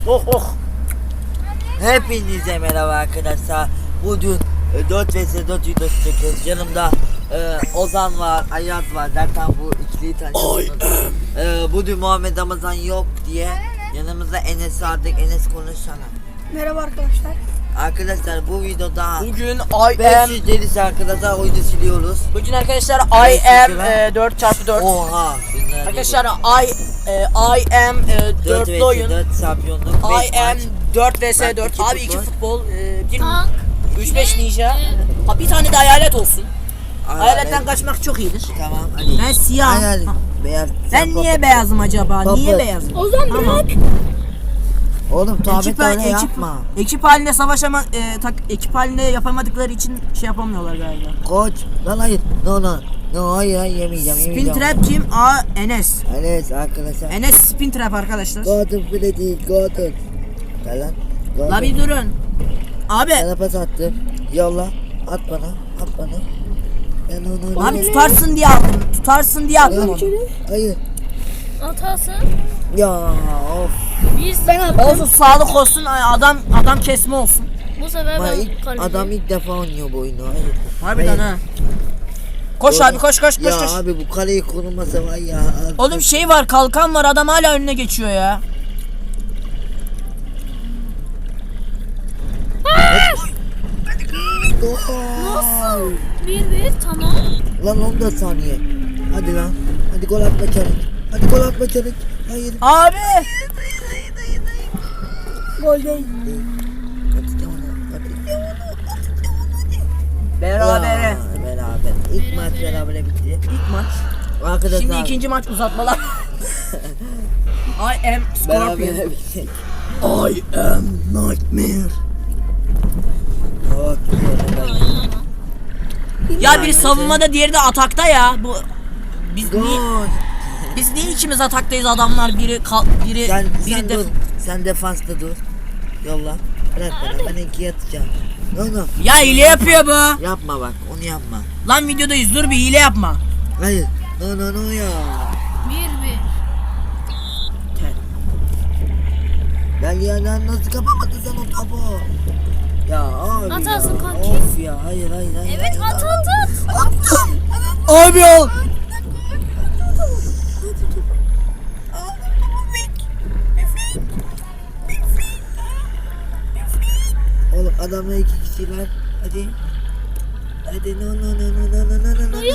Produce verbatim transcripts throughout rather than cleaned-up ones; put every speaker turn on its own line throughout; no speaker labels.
Oh oh. Hepinize merhaba arkadaşlar. Bugün e, dört vs dört videosu çekiyoruz. Yanımda e, Ozan var, Ayaz var. Zaten bu ikiliyi tanıyorsunuz. E, bugün Muhammed Ramazan yok diye yanımızda Enes vardık. Enes konuşsana.
Merhaba arkadaşlar.
Arkadaşlar bu videoda
Bugün I am
beş yüz delisi arkadaşlar oyunu siliyoruz.
Bugün arkadaşlar I am e, dört çarpı dört.
Oha.
Arkadaşlar I e, I am e, dörtlü oyun.
dört şampiyonluk.
I am dört vs
Ben
dört.
iki
Abi iki
futbol.
futbol, e, bir
Tank.
üç beş ninja. Ha bir tane de hayalet olsun.
Hayalet.
Hayaletten kaçmak çok iyidir.
Tamam hadi.
Ben siyah.
Hayalet. Beyaz.
Ben
Sen
niye
baba.
beyazım acaba?
Baba.
Niye beyazım?
Ozan
Tamam.
bırak.
Oğlum tabi
Ekip,
öyle
ekip,
yapma.
ekip halinde savaşama e, tak, ekip halinde yapamadıkları için şey yapamıyorlar galiba.
Koç. Lan hayır. No no. No hayır hayır yemeyeceğim.
Spin
yemeyeceğim.
trap kim? A Enes.
Evet arkadaşlar.
Enes spin trap arkadaşlar.
Gordon bile değil. Gordon. Gel lan. Gordon.
La bir durun. Abi.
Sana pas attım. Yolla. At bana. At bana. Ben onu...
Abi tutarsın diye aldım. Tutarsın diye aldım onu.
Hayır.
Atası.
Ya of.
Biz ben attım.
Olsun sağlık olsun adam adam kesme olsun.
Bu sefer
Ama
ben
ilk,
kaleci.
adam ilk defa oynuyor bu oyunu. Hayır.
Harbiden
Hayır.
ha. Koş
Doğru.
abi koş koş koş
Ya
koş.
abi bu kaleyi korumasa var ya.
Oğlum şey var kalkan var adam hala önüne geçiyor ya.
Nasıl?
Bir bir tamam.
Lan on dört saniye. Hadi lan. Hadi gol atma çabuk. Hadi gol atma çabuk. Hayır.
Abi.
Gol değil.
Hadi onu. Hadi.
Berabere.
Ya, beraber. İlk maç berabere bitti.
İlk maç.
Arkadaşlar.
Şimdi ikinci maç uzatmalar. I am Scorpion.
berabere bitti.
I am Nightmare.
Oh,
Ya biri savunmada diğeri de atakta ya. Bu biz niye
Gol.
biz niye ikimiz ataktayız adamlar biri kal, biri
Sen,
biri
sen
de
dur. Sen defansta dur. Yolla. Bırak bana. Ben ikiye atacağım. No no.
Ya hile yapıyor bu.
Yapma bak. Onu yapma.
Lan videodayız dur bir hile yapma.
Hayır. No no no ya.
Bir bir.
Gel ya lan nasıl kapamadın sen o topu? Ya abi
Atarsın
ya.
kanki.
Of ya hayır hayır hayır.
Evet
hayır.
at at at.
Attım.
Abi ol.
Oğlum adamla iki kişiler. Hadi. Hadi no no no no no no no no.
Hayır.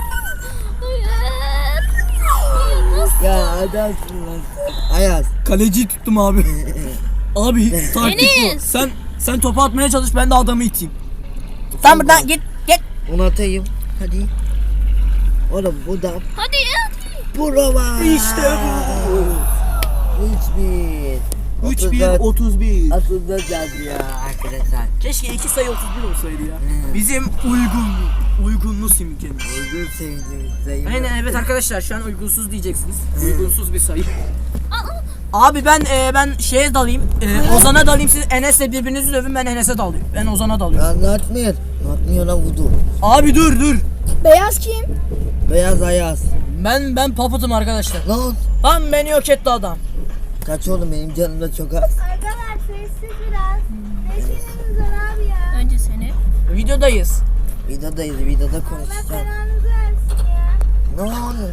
Hayır. Nasıl?
Ya adamsın lan. Ayaz.
Kaleciyi tuttum abi. Abi taktik bu.
Enes.
Sen sen topu atmaya çalış ben de adamı iteyim. Sen buradan git git.
Onu atayım. Hadi. Oğlum bu da
Hadi hadi.
Burava.
İşte bu.
üç bir.
üç bir otuz bir.
Otuz dört yazdı ya arkadaşlar.
Keşke iki sayı otuz bir olsaydı ya.
Hmm.
Bizim uygun uygunlu simgemiz.
Uygun sevdiğimiz sayı.
Aynen evet arkadaşlar şu an uygunsuz diyeceksiniz. Uygunsuz bir sayı. Abi ben e, ben şeye dalayım. E, Ozan'a dalayım siz Enes'le birbirinizi dövün ben Enes'e dalıyorum. Ben Ozan'a dalıyorum.
Ya atmıyor. Atmıyor lan vudu.
Abi dur dur.
Beyaz kim?
Beyaz Ayaz.
Ben ben paputum arkadaşlar.
Lan.
Tam beni yok etti adam.
Kaç oğlum benim canım da çok az.
Arkadaşlar sessiz biraz. Sesiniz var abi ya.
Önce seni.
Videodayız.
Videodayız videoda
Allah
konuşacağım.
belanızı versin ya.
Ne olur.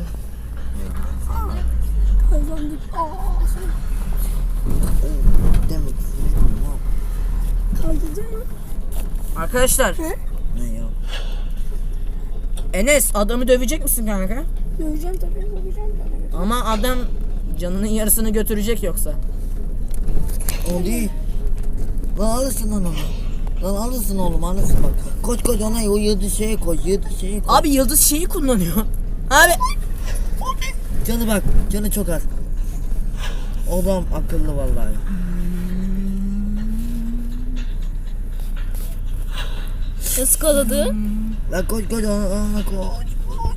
Kazandık.
Demek istedim.
Kaldırdın mı?
Arkadaşlar
Ne ya?
Enes adamı dövecek misin kanka?
Döveceğim tabii döveceğim tabii.
Ama adam canının yarısını götürecek yoksa.
O değil. Lan alırsın onu. Lan alırsın oğlum alırsın bak. Koş koş ona o yedi şeye koy yedi şeye koy.
Abi yıldız şeyi kullanıyor. Abi
Canı bak canı çok az. Oğlum akıllı vallahi.
Iskaladı.
Lan koş koş ona, ona koş koş.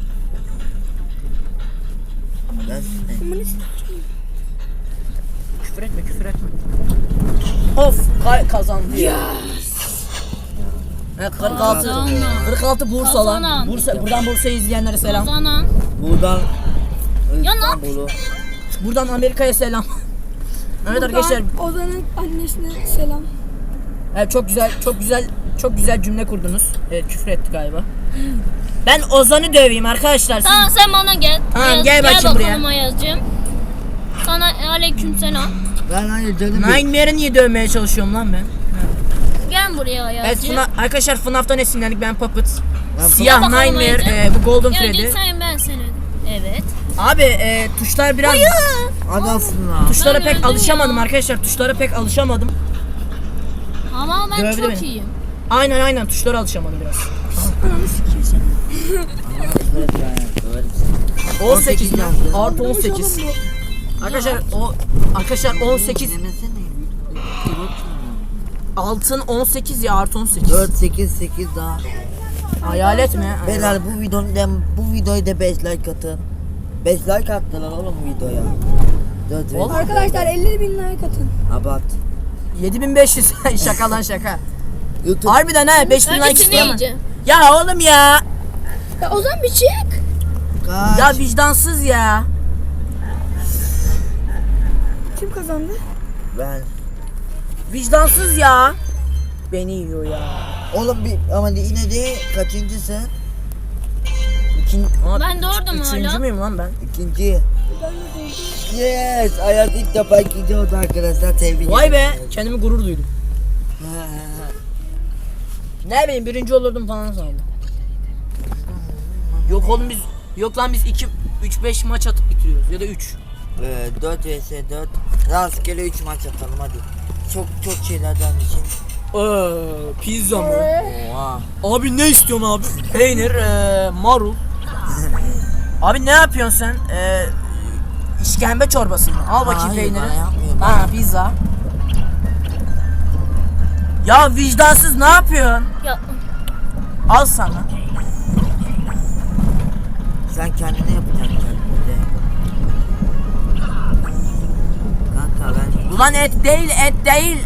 Lan
küfür etme küfür etme. Of kay kazandı ya. Evet, kırk altı.
Kazanan.
kırk altı Bursa lan.
Kazanan.
Bursa, buradan Bursa'yı izleyenlere selam.
Kazanan.
buradan
Ya ne
İstanbul'u.
Buradan Amerika'ya selam. Evet arkadaşlar.
Ozan'ın annesine selam.
Evet, çok güzel, çok güzel, çok güzel cümle kurdunuz. Evet, küfür etti galiba. Ben Ozan'ı döveyim arkadaşlar. Siz...
Tamam sen bana gel.
Tamam,
Ayaz,
gel bakayım
bakalım
buraya.
Ayaz'cığım. Sana aleyküm selam.
Ben hayır canım. yok.
Nightmare'ı niye dövmeye çalışıyorum lan ben?
Gel buraya
Evet,
Ayaz'cığım.
Funa, arkadaşlar F NAF'tan esinlendik. Ben Puppet.
Ben
Siyah
Bakalım
Nightmare,
Ayaz'cığım.
e, bu Golden
Ya
Freddy.
sen ben seni. Evet.
Abi e, tuşlar biraz...
Adamsın lan.
Tuşlara
Ben
pek
öldüm
alışamadım
ya.
arkadaşlar. Tuşlara pek alışamadım.
Ama ben
Dövdü
çok
beni.
iyiyim.
Aynen aynen tuşlara alışamadım biraz.
Ananı sikeyim seni.
on sekiz mi?
yazdı.
Artı on sekiz. Arkadaşlar o arkadaşlar on sekiz
Demesene.
altın on sekiz ya artı on sekiz.
dört sekiz sekiz daha.
Hayalet mi?
Beyler bu videonun bu videoyu da beş like atın. beş like attılar oğlum videoya. dört
Oğlum.
Arkadaşlar elli bin like atın.
Abart.
yedi bin beş yüz şaka lan şaka.
YouTube.
Harbiden ha beş bin like
Hangisini
isteyemem.
yiyeceğim?
Ya oğlum ya.
Ya Ozan bir çık.
Kaç?
Ya vicdansız ya.
Kim kazandı?
Ben.
Vicdansız ya. Beni yiyor ya.
Oğlum bir ama yine de kaçıncısın?
İkin, Ama
Ben doğurdum
üçüncü
hala.
müyüm lan ben?
İkinci. Yes, hayat ilk defa ikinci oldu arkadaşlar, tebrik
Vay be
ederim.
kendimi gurur duydum. Ne bileyim birinci olurdum falan sandım. Yok oğlum biz yok lan biz iki üç beş maç atıp bitiriyoruz ya da üç.
Ee, dört vs dört. Rastgele üç maç atalım hadi. Çok çok şeylerden için.
Eee pizza mı?
Oha.
Abi ne istiyorsun abi? Peynir, eee marul. Abi ne yapıyorsun sen? Eee işkembe çorbası mı? Al bakayım
Hayır,
peyniri.
bana yapmıyorum.
Ha pizza. Ya vicdansız ne yapıyorsun?
Ya
Al sana.
Sen kendine yapacaksın kendine. Kanka ben
Ulan et değil et değil.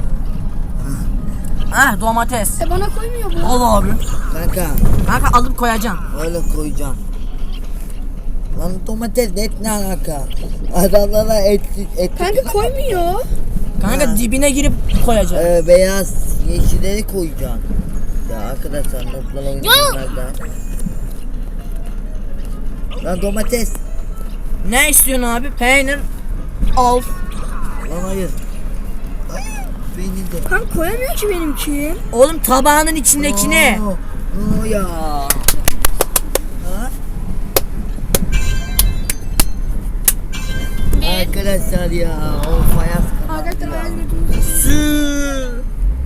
Ah domates.
E bana koymuyor bu.
Al abi.
kanka
Kanka alıp koyacaksın.
öyle koyacağım. Lan domates et ne alaka? Adamlara et et.
Kanka koymuyor.
Kanka
Ha.
dibine girip koyacaksın.
Ee, beyaz yeşilleri koyacağım. Ya arkadaşlar notlar oyunculardan. Lan domates.
Ne istiyorsun abi? Peynir. Al.
Lan hayır. Peynir de.
Kanka koyamıyor ki benimki.
Oğlum tabağının içindekini.
Oo, oo ya. Ha?
bir.
Arkadaşlar ya o fayans
Arkadaşlar
kapandı ya.
hayal gördüğünüz.
Sü.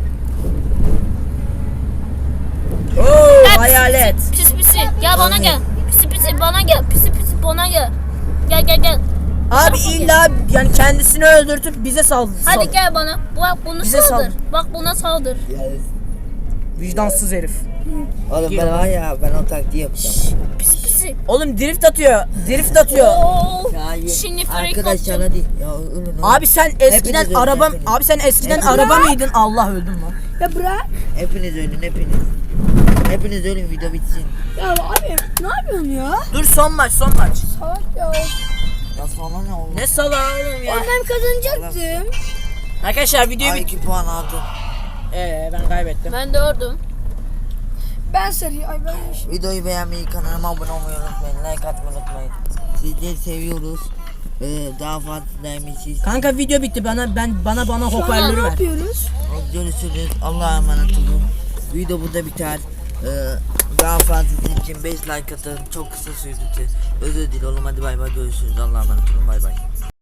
Oo hayalet.
Pisi pisi. Gel bana gel. Pisi pisi bana gel. Pisi pisi bana gel. Gel gel gel.
Abi illa yani kendisini öldürtüp bize sal.
Hadi
sal-
gel bana. Bak bunu
Bize
saldır.
saldır.
Bak buna saldır.
Yani,
Vicdansız herif.
oğlum ben var ya ben o taktiği yapacağım.
Pisi pisi.
Oğlum drift atıyor. Drift atıyor.
Oo.
Hayır.
Şimdi frek
Arkadaşlar
attım.
hadi. Ya ölün ölün.
Abi sen eskiden
Hepiniz
araba
öldün, hepiniz.
abi sen eskiden
Hepiniz.
araba mıydın? Allah öldüm lan.
Ya bırak.
Hepiniz ölün hepiniz. Hepiniz ölün video bitsin.
Ya abi ne yapıyorsun ya?
Dur son maç son maç.
Salak ya.
Ya sonra ne oldu?
Ne salağı oğlum ya.
Oğlum ben kazanacaktım.
Arkadaşlar videoyu
Ay
bit.
iki puan aldım.
Ee ben kaybettim.
Ben dördüm.
Ben sarı. Ay ben
Videoyu beğenmeyi, kanalıma abone olmayı unutmayın. Like atmayı unutmayın. Sizleri seviyoruz. Ee, daha fazla demişiz.
Kanka video bitti bana ben bana bana
Şu an
hoparlörü
ne
ver.
yapıyoruz?
Görüşürüz. Allah'a emanet olun. Video burada biter. Ee, daha fazlası için beş like atın. Çok kısa sürdü. Özür dilerim oğlum. Hadi bay bay, görüşürüz. Allah'a emanet olun. Bay bay.